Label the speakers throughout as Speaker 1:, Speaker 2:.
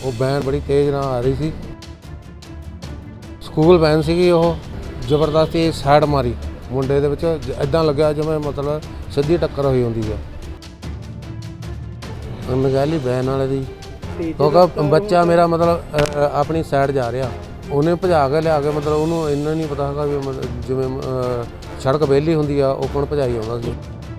Speaker 1: ਉਹ ਵੈਨ ਬੜੀ ਤੇਜ਼ ਨਾਲ ਆ ਰਹੀ ਸੀ। ਸਕੂਲ ਵੈਨ ਸੀਗੀ, ਉਹ ਜ਼ਬਰਦਸਤੀ ਸਾਈਡ ਮਾਰੀ ਮੁੰਡੇ ਦੇ ਵਿੱਚ, ਇੱਦਾਂ ਲੱਗਿਆ ਜਿਵੇਂ ਮਤਲਬ ਸਿੱਧੀ ਟੱਕਰ ਹੋਈ ਹੁੰਦੀ ਆ। ਅਣਗਹਿਲੀ ਵੈਨ ਵਾਲੇ ਦੀ, ਕਿਉਂਕਿ ਬੱਚਾ ਮੇਰਾ ਮਤਲਬ ਆਪਣੀ ਸਾਈਡ ਜਾ ਰਿਹਾ, ਉਹਨੇ ਭਜਾ ਕੇ ਲਿਆ ਕੇ ਮਤਲਬ ਉਹਨੂੰ ਇੰਨਾ ਨਹੀਂ ਪਤਾ ਹੈਗਾ ਵੀ ਜਿਵੇਂ ਸੜਕ ਵਿਹਲੀ ਹੁੰਦੀ ਆ ਉਹ ਕੋਣ ਭਜਾਈ ਆਉਂਦਾ ਸੀ।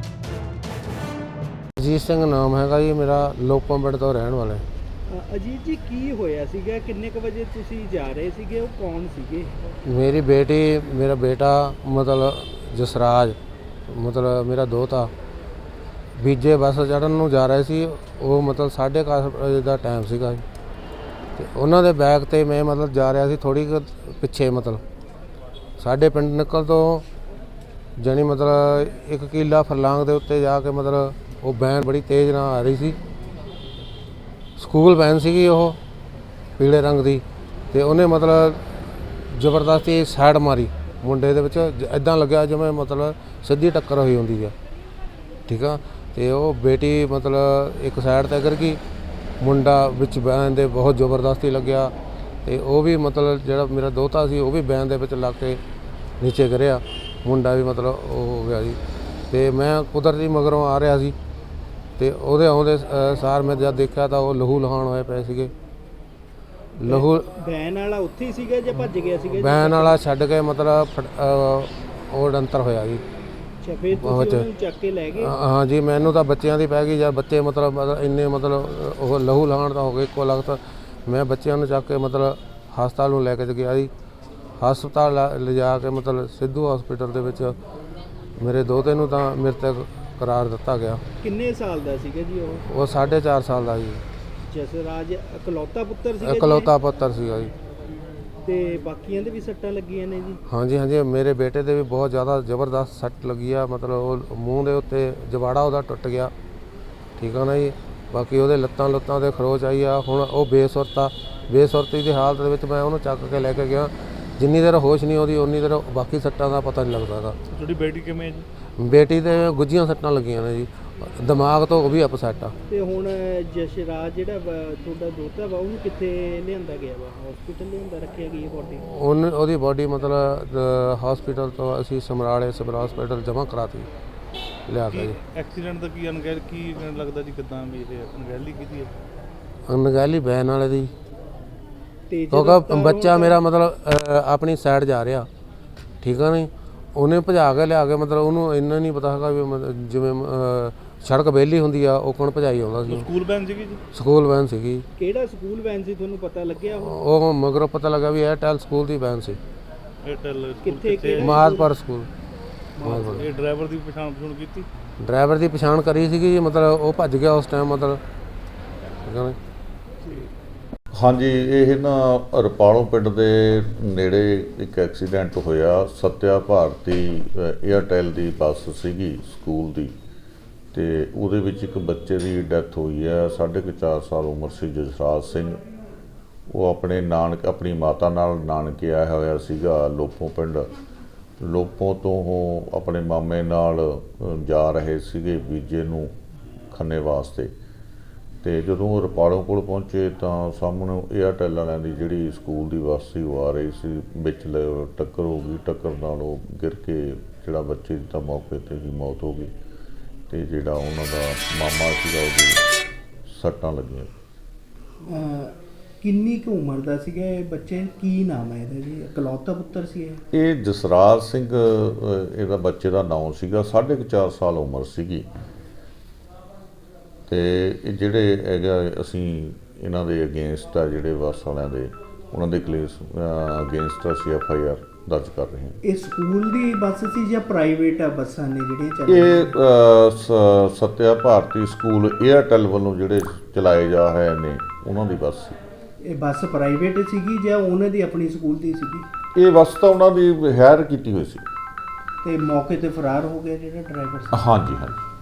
Speaker 1: ਅਜੀਤ ਸਿੰਘ ਨਾਮ ਹੈਗਾ ਜੀ ਮੇਰਾ, ਲੋਪੋਂ ਪਿੰਡ ਤੋਂ ਰਹਿਣ ਵਾਲਾ।
Speaker 2: ਅਜੀਤ ਜੀ, ਕੀ ਹੋਇਆ ਸੀਗਾ? ਕਿੰਨੇ ਕੁ ਵਜੇ ਤੁਸੀਂ ਜਾ ਰਹੇ ਸੀਗੇ? ਉਹ ਕੌਣ ਸੀਗੇ?
Speaker 1: ਮੇਰੀ ਬੇਟੀ, ਮੇਰਾ ਬੇਟਾ ਮਤਲਬ ਜਸਰਾਜ, ਮਤਲਬ ਮੇਰਾ ਦੋਤਾ ਬੀਜੇ ਬੱਸ ਚੜ੍ਹਨ ਨੂੰ ਜਾ ਰਹੇ ਸੀ। ਉਹ ਮਤਲਬ 11:30 ਵਜੇ ਦਾ ਟਾਈਮ ਸੀਗਾ ਅਤੇ ਉਹਨਾਂ ਦੇ ਬੈਗ 'ਤੇ ਮੈਂ ਮਤਲਬ ਜਾ ਰਿਹਾ ਸੀ ਥੋੜ੍ਹੀ ਕੁ ਪਿੱਛੇ, ਮਤਲਬ ਸਾਡੇ ਪਿੰਡ ਨਿਕਲ ਤੋਂ ਜਾਣੀ ਮਤਲਬ 1 ਕਿੱਲਾ ਫਰਲਾਂਗ ਦੇ ਉੱਤੇ ਜਾ ਕੇ ਮਤਲਬ ਉਹ ਵੈਨ ਬੜੀ ਤੇਜ਼ ਨਾਲ ਆ ਰਹੀ ਸੀ। ਸਕੂਲ ਵੈਨ ਸੀਗੀ, ਉਹ ਪੀਲੇ ਰੰਗ ਦੀ, ਅਤੇ ਉਹਨੇ ਮਤਲਬ ਜ਼ਬਰਦਸਤੀ ਸਾਈਡ ਮਾਰੀ ਮੁੰਡੇ ਦੇ ਵਿੱਚ, ਇੱਦਾਂ ਲੱਗਿਆ ਜਿਵੇਂ ਮਤਲਬ ਸਿੱਧੀ ਟੱਕਰ ਹੋਈ ਹੁੰਦੀ ਆ। ਠੀਕ ਆ, ਅਤੇ ਉਹ ਬੇਟੀ ਮਤਲਬ ਇੱਕ ਸਾਈਡ 'ਤੇ ਗਿਰ ਗਈ, ਮੁੰਡਾ ਵਿੱਚ ਵੈਨ ਦੇ ਬਹੁਤ ਜ਼ਬਰਦਸਤੀ ਲੱਗਿਆ, ਅਤੇ ਉਹ ਵੀ ਮਤਲਬ ਜਿਹੜਾ ਮੇਰਾ ਦੋਤਾ ਸੀ ਉਹ ਵੀ ਵੈਨ ਦੇ ਵਿੱਚ ਲੱਗ ਕੇ ਨੀਚੇ ਗਿਰਿਆ, ਮੁੰਡਾ ਵੀ ਮਤਲਬ ਉਹ ਹੋ ਗਿਆ ਜੀ। ਅਤੇ ਮੈਂ ਕੁਦਰਤੀ ਮਗਰੋਂ ਆ ਰਿਹਾ ਸੀ, ਅਤੇ ਉਹਦੇ ਆਉਂਦੇ ਸਾਰ ਮੈਂ ਜਦ ਦੇਖਿਆ ਤਾਂ ਉਹ ਲਹੂ ਲਹਾਣ ਹੋਏ ਪਏ ਸੀਗੇ। ਲਹੂ
Speaker 2: ਵੈਨ ਵਾਲਾ ਉੱਥੇ ਹੀ ਸੀਗਾ ਜਾਂ ਭੱਜ ਗਿਆ ਸੀਗਾ?
Speaker 1: ਵੈਨ ਵਾਲਾ ਛੱਡ ਕੇ ਮਤਲਬ ਉਹ ਡੰਤਰ ਹੋਇਆ ਜੀ।
Speaker 2: ਅੱਛਾ, ਫਿਰ ਤੁਸੀਂ ਉਹਨੂੰ ਚੱਕ ਕੇ ਲੈ ਗਏ?
Speaker 1: ਹਾਂ ਜੀ, ਮੈਨੂੰ ਤਾਂ ਬੱਚਿਆਂ ਦੀ ਪੈ ਗਈ ਜਦ ਬੱਚੇ ਮਤਲਬ ਇੰਨੇ ਮਤਲਬ ਉਹ ਲਹੂ ਲਹਾਣ ਤਾਂ ਹੋ ਗਏ ਇੱਕੋ ਲਗਤ। ਮੈਂ ਬੱਚਿਆਂ ਨੂੰ ਚੱਕ ਕੇ ਮਤਲਬ ਹਸਪਤਾਲ ਨੂੰ ਲੈ ਕੇ ਗਿਆ ਜੀ। ਹਸਪਤਾਲ ਲਿਜਾ ਕੇ ਮਤਲਬ ਸਿੱਧੂ ਹਸਪੀਟਲ ਦੇ ਵਿੱਚ ਮੇਰੇ ਦੋਤੇ ਨੂੰ ਤਾਂ ਮ੍ਰਿਤਕ ਕਰਾਰ ਦਿੱਤਾ ਗਿਆ।
Speaker 2: ਕਿੰਨੇ ਸਾਲ ਦਾ ਸੀਗਾ ਜੀ ਉਹ?
Speaker 1: ਉਹ 4.5 ਸਾਲ ਦਾ ਜੀ।
Speaker 2: ਜਸਰਾਜ ਇਕਲੌਤਾ ਪੁੱਤਰ ਸੀਗਾ?
Speaker 1: ਇਕਲੌਤਾ ਪੁੱਤਰ ਸੀਗਾ ਜੀ।
Speaker 2: ਤੇ ਬਾਕੀਆਂ ਦੇ ਵੀ ਸੱਟਾਂ ਲੱਗੀਆਂ ਨੇ ਜੀ?
Speaker 1: ਹਾਂਜੀ ਹਾਂਜੀ, ਮੇਰੇ ਬੇਟੇ ਦੇ ਵੀ ਬਹੁਤ ਜ਼ਿਆਦਾ ਜ਼ਬਰਦਸਤ ਸੱਟ ਲੱਗੀ ਆ, ਮਤਲਬ ਉਹ ਮੂੰਹ ਦੇ ਉੱਤੇ ਜਵਾੜਾ ਉਹਦਾ ਟੁੱਟ ਗਿਆ। ਠੀਕ ਆ ਨਾ ਜੀ। ਬਾਕੀ ਉਹਦੇ ਲੱਤਾਂ 'ਤੇ ਖਰੋਚ ਆਈ ਆ। ਹੁਣ ਉਹ ਬੇਸੁਰਤੀ ਦੀ ਹਾਲਤ ਦੇ ਵਿੱਚ ਮੈਂ ਉਹਨੂੰ ਚੱਕ ਕੇ ਲੈ ਕੇ ਗਿਆ। ਜਿੰਨੀ ਦੇਰ ਹੋਸ਼ ਨਹੀਂ ਆਉਂਦੀ ਉਨੀ ਦੇਰ ਬਾਕੀ ਸੱਟਾਂ ਦਾ ਪਤਾ ਨਹੀਂ ਲੱਗਦਾ ਗਾ।
Speaker 2: ਤੁਹਾਡੀ ਬੇਟੀ ਕਿਵੇਂ ਜੀ?
Speaker 1: ਬੇਟੀ ਦੇ ਗੁੱਝੀਆਂ ਸੱਟਾਂ ਲੱਗੀਆਂ ਨੇ ਜੀ, ਦਿਮਾਗ ਤੋਂ ਉਹ ਵੀ ਅਪਸੈਟ ਆ।
Speaker 2: ਤੇ ਹੁਣ ਜਸਰਾਜ ਜਿਹੜਾ ਤੁਹਾਡਾ ਦੋਤਾ ਵਾ ਉਹਨੂੰ ਕਿੱਥੇ ਲਿਆਂਦਾ ਗਿਆ ਵਾ? ਹਸਪੀਟਲ ਲਿਆਂਦਾ ਰੱਖਿਆ ਗਈ ਬੋਡੀ?
Speaker 1: ਉਹਦੀ ਬੋਡੀ ਮਤਲਬ ਹਸਪੀਟਲ ਤੋਂ ਅਸੀਂ ਸਮਰਾਲੇ ਸਿਵਲ ਹਸਪੀਟਲ ਜਮ੍ਹਾਂ ਕਰਾਤੀ ਲਿਆ ਕੇ ਜੀ।
Speaker 2: ਐਕਸੀਡੈਂਟ ਦਾ ਕੀ ਲੱਗਦਾ ਜੀ, ਕਿੱਦਾਂ ਵੀ ਇਹ ਅਣਗਹਿਲੀ ਕੀਤੀ ਹੈ?
Speaker 1: ਅਣਗਹਿਲੀ ਵੈਨ ਵਾਲੇ ਦੀ, ਕਿਉਂਕਿ ਬੱਚਾ ਮੇਰਾ ਮਤਲਬ ਆਪਣੀ ਸਾਈਡ ਜਾ ਰਿਹਾ। ਠੀਕ ਆ ਨਹੀਂ, ਉਹਨੇ ਭਜਾ ਕੇ ਲਿਆ ਕੇ ਮਤਲਬ ਉਹਨੂੰ ਇੰਨਾ ਨਹੀਂ ਪਤਾ ਹੈਗਾ ਵੀ ਜਿਵੇਂ ਸੜਕ ਵਿਹਲੀ ਹੁੰਦੀ ਆ ਉਹ ਕੋਣ ਭਜਾਈ ਆਉਂਦਾ ਸੀ।
Speaker 2: ਸਕੂਲ ਵੈਨ ਸੀਗੀ ਜੀ?
Speaker 1: ਸਕੂਲ ਵੈਨ ਸੀਗੀ।
Speaker 2: ਕਿਹੜਾ ਸਕੂਲ ਵੈਨ ਸੀ ਤੁਹਾਨੂੰ ਪਤਾ ਲੱਗਿਆ?
Speaker 1: ਉਹ ਮਗਰੋਂ ਪਤਾ ਲੱਗਾ ਵੀ ਏਅਰਟੈਲ ਸਕੂਲ ਦੀ ਵੈਨ ਸੀ।
Speaker 2: ਏਅਰਟੈਲ ਕਿੱਥੇ?
Speaker 1: ਮਾਦਪੁਰ ਸਕੂਲ।
Speaker 2: ਇਹ ਡਰਾਈਵਰ ਦੀ ਪਛਾਣ ਕੀਤੀ?
Speaker 1: ਡਰਾਈਵਰ ਦੀ ਪਛਾਣ ਕਰੀ ਸੀਗੀ ਜੀ, ਮਤਲਬ ਉਹ ਭੱਜ ਗਿਆ ਉਸ ਟਾਈਮ ਮਤਲਬ।
Speaker 3: ਹਾਂਜੀ, ਇਹ ਨਾ ਰਪਾਲੋਂ ਪਿੰਡ ਦੇ ਨੇੜੇ ਇੱਕ ਐਕਸੀਡੈਂਟ ਹੋਇਆ। ਸੱਤਿਆ ਭਾਰਤੀ ਏਅਰਟੈਲ ਦੀ ਬੱਸ ਸੀਗੀ ਸਕੂਲ ਦੀ, ਅਤੇ ਉਹਦੇ ਵਿੱਚ ਇੱਕ ਬੱਚੇ ਦੀ ਡੈਥ ਹੋਈ ਹੈ। 4.5 ਸਾਲ ਉਮਰ ਸੀ ਜਸਰਾਜ ਸਿੰਘ। ਉਹ ਆਪਣੀ ਮਾਤਾ ਨਾਲ ਨਾਨਕੇ ਆਇਆ ਹੋਇਆ ਸੀਗਾ ਲੋਪੋਂ ਪਿੰਡ। ਲੋਪੋਂ ਤੋਂ ਉਹ ਆਪਣੇ ਮਾਮੇ ਨਾਲ ਜਾ ਰਹੇ ਸੀਗੇ ਬੀਜੇ ਨੂੰ ਖੰਨੇ ਵਾਸਤੇ, ਅਤੇ ਜਦੋਂ ਉਹ ਰਪਾਲੋਂ ਕੋਲ ਪਹੁੰਚੇ ਤਾਂ ਸਾਹਮਣੇ ਏਅਰਟੈਲ ਵਾਲਿਆਂ ਦੀ ਜਿਹੜੀ ਸਕੂਲ ਦੀ ਬੱਸ ਸੀ ਉਹ ਆ ਰਹੀ ਸੀ, ਵਿੱਚ ਟੱਕਰ ਹੋ ਗਈ। ਟੱਕਰ ਨਾਲ ਉਹ ਗਿਰ ਕੇ ਜਿਹੜਾ ਬੱਚੇ ਦੀ ਤਾਂ ਮੌਕੇ 'ਤੇ ਹੀ ਮੌਤ ਹੋ ਗਈ, ਅਤੇ ਜਿਹੜਾ ਉਹਨਾਂ ਦਾ ਮਾਮਾ ਸੀਗਾ ਉਹਦੀ ਸੱਟਾਂ ਲੱਗੀਆਂ।
Speaker 2: ਕਿੰਨੀ ਕੁ ਉਮਰ ਦਾ ਸੀਗਾ ਇਹ ਬੱਚੇ? ਕੀ ਨਾਮ ਹੈ ਇਹਦਾ ਜੀ? ਇਕਲੌਤਾ ਪੁੱਤਰ ਸੀ
Speaker 3: ਇਹ ਜਸਰਾਜ ਸਿੰਘ ਇਹਦਾ ਬੱਚੇ ਦਾ ਨਾਮ ਸੀਗਾ। 4.5 ਸਾਲ ਉਮਰ ਸੀਗੀ। ਅਤੇ ਇਹ ਜਿਹੜੇ ਹੈਗਾ ਅਸੀਂ ਇਹਨਾਂ ਦੇ ਅਗੇਂਸਟ ਆ, ਜਿਹੜੇ ਬੱਸ ਵਾਲਿਆਂ ਦੇ, ਉਹਨਾਂ ਦੇ ਕੇਸ ਅਗੇਂਸਟ ਅਸੀਂ FIR ਦਰਜ ਕਰ ਰਹੇ ਹਾਂ।
Speaker 2: ਇਹ ਸਕੂਲ ਦੀ ਬੱਸ ਸੀ ਜਾਂ ਪ੍ਰਾਈਵੇਟ ਬੱਸਾਂ ਨੇ ਜਿਹੜੀਆਂ ਚੱਲ?
Speaker 3: ਇਹ ਸੱਤਿਆ ਭਾਰਤੀ ਸਕੂਲ ਏਅਰਟੈਲ ਵੱਲੋਂ ਜਿਹੜੇ ਚਲਾਏ ਜਾ ਰਹੇ ਨੇ ਉਹਨਾਂ ਦੀ ਬੱਸ ਸੀ।
Speaker 2: ਇਹ ਬੱਸ ਪ੍ਰਾਈਵੇਟ ਸੀਗੀ ਜਾਂ ਉਹਨਾਂ ਦੀ ਆਪਣੀ ਸਕੂਲ ਦੀ ਸੀਗੀ?
Speaker 3: ਇਹ ਬੱਸ ਤਾਂ ਉਹਨਾਂ ਦੀ ਹਾਇਰ ਕੀਤੀ ਹੋਈ ਸੀ।
Speaker 2: ਤੇ ਮੌਕੇ ਤੇ ਫਰਾਰ ਹੋ ਗਿਆ ਜਿਹੜਾ ਡਰਾਈਵਰ ਸੀ?
Speaker 3: ਹਾਂਜੀ ਹਾਂਜੀ।